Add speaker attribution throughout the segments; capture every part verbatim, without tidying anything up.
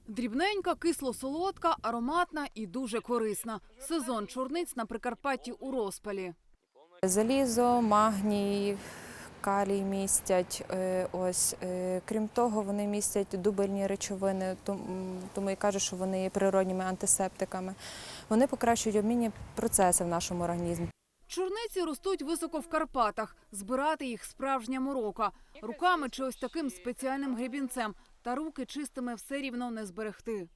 Speaker 1: Дрібненька, кисло-солодка, ароматна і дуже корисна. Сезон чорниць на Прикарпатті у розпалі.
Speaker 2: Залізо, магній, калій містять. Ось. Крім того, вони містять дубильні речовини, тому і кажуть, що вони є природніми антисептиками. Вони покращують обмінні процеси в нашому організмі.
Speaker 1: Чорниці ростуть високо в Карпатах. Збирати їх – справжня морока. Руками чи ось таким спеціальним гребінцем. Та руки чистими все рівно не зберегти.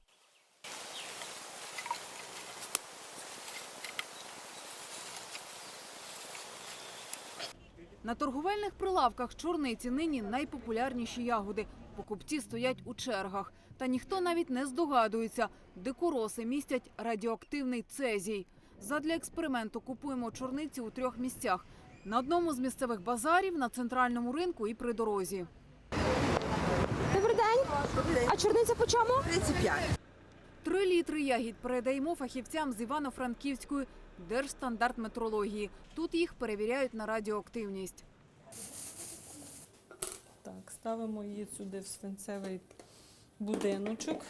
Speaker 1: На торговельних прилавках чорниці нині найпопулярніші ягоди. Покупці стоять у чергах. Та ніхто навіть не здогадується – дикороси містять радіоактивний цезій. Задля експерименту купуємо чорниці у трьох місцях. На одному з місцевих базарів, на центральному ринку і при дорозі.
Speaker 3: Добрий день.
Speaker 4: Добрий день.
Speaker 3: А чорниця по чому?
Speaker 4: тридцять п'ять.
Speaker 1: Три літри ягід передаємо фахівцям з Івано-Франківської Держстандартметрології. Тут їх перевіряють на радіоактивність.
Speaker 5: Так, ставимо її сюди в свинцевий будиночок.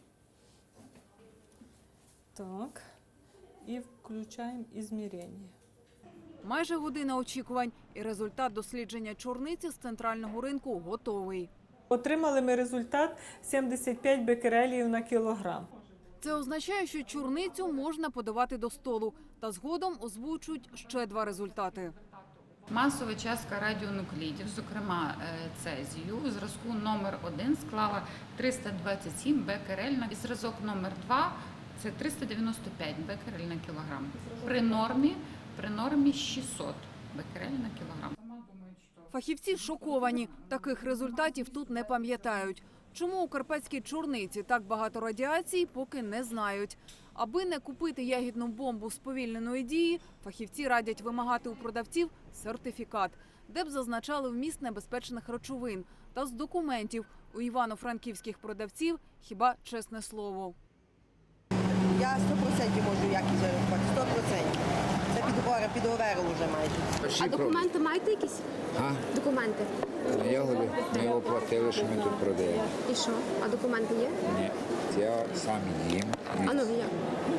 Speaker 5: Так. І включаємо ізмірення.
Speaker 1: Майже година очікувань. І результат дослідження чорниці з центрального ринку готовий.
Speaker 5: Отримали ми результат сімдесят п'ять бекерелів на кілограм.
Speaker 1: Це означає, що чорницю можна подавати до столу. Та згодом озвучують ще два результати.
Speaker 6: Масова частка радіонуклідів, зокрема цезію, у зразку номер один склала триста двадцять сім бекерель на зразок номер два – це триста дев'яносто п'ять бекерель на кілограм. При нормі, при нормі шістсот бекерель на кілограм.
Speaker 1: Фахівці шоковані. Таких результатів тут не пам'ятають. Чому у карпатській чорниці так багато радіації, поки не знають. Аби не купити ягідну бомбу сповільненої дії, фахівці радять вимагати у продавців сертифікат, де б зазначали вміст небезпечних речовин. Та з документів у івано-франківських продавців хіба чесне слово.
Speaker 4: Я сто відсотків можу якість зарахувати, сто відсотків. Це підгора, підговорили вже майже.
Speaker 3: А документи маєте якісь?
Speaker 7: А?
Speaker 3: Документи.
Speaker 7: На ягоди ми оплатили, що ми тут продаємо.
Speaker 3: І що? А документи є?
Speaker 7: Ні, я сам їм.
Speaker 3: А ну, як?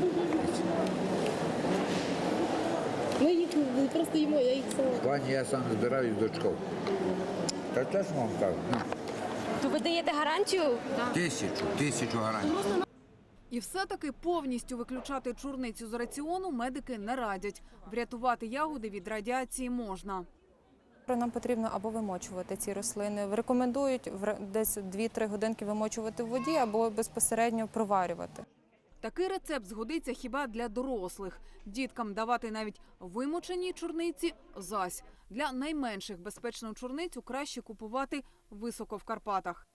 Speaker 3: Ми їх просто їмо, я їх сама.
Speaker 7: В плані я сам збираю з дочкою. Та чесно вам кажу, ну,
Speaker 3: То ви даєте гарантію?
Speaker 7: тисячу, тисячу гарантій.
Speaker 1: І все-таки повністю виключати чорницю з раціону медики не радять. Врятувати ягоди від радіації можна.
Speaker 2: Нам потрібно або вимочувати ці рослини. Рекомендують десь дві-три годинки вимочувати в воді або безпосередньо проварювати.
Speaker 1: Такий рецепт згодиться хіба для дорослих. Діткам давати навіть вимочені чорниці – зась. Для найменших безпечну чорницю краще купувати високо в Карпатах.